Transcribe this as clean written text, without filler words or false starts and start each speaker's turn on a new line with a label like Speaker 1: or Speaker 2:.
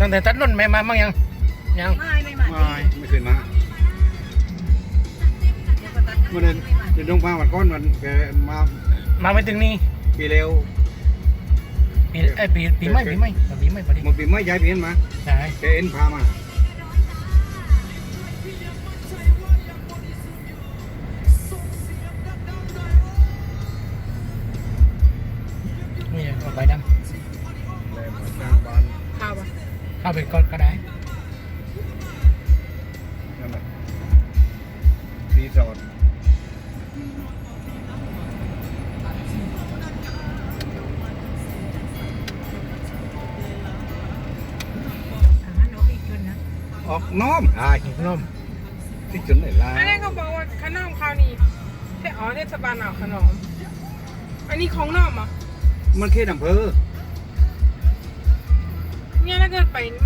Speaker 1: ตั้งแต่ตัดนุ่นไม่มาบ้างยัง
Speaker 2: ไม่มา
Speaker 3: ไม่เคยมาเมื่อเดือนดงพาวันก้อนมันแกมา
Speaker 1: ไม่ถึงนี่
Speaker 3: ปีเร็ว
Speaker 1: ปีไม่พอดี
Speaker 3: มาปีไม่ย้ายเพี้ยนมา
Speaker 1: ใช่
Speaker 3: แกเอ็นพามา
Speaker 1: นี่ใบดำ
Speaker 3: แล้วมาสร้างบ้าน
Speaker 2: ข้าวปะ
Speaker 1: เข้าไปก็ได้
Speaker 3: นั่นแหละรีสอร์ท
Speaker 2: น้องอีกคนนะ
Speaker 3: ออกน้อม
Speaker 1: หิวนุ่ม
Speaker 3: ที่จุดไหนล่ะ
Speaker 4: อันนี้เขาบอกว่าขนมข้าวนี่เทศบาลเอาขนม อันนี้ของนอกเหรอ
Speaker 3: มันเขตอำเภอ
Speaker 4: เนี่ยถ้าเกิดไป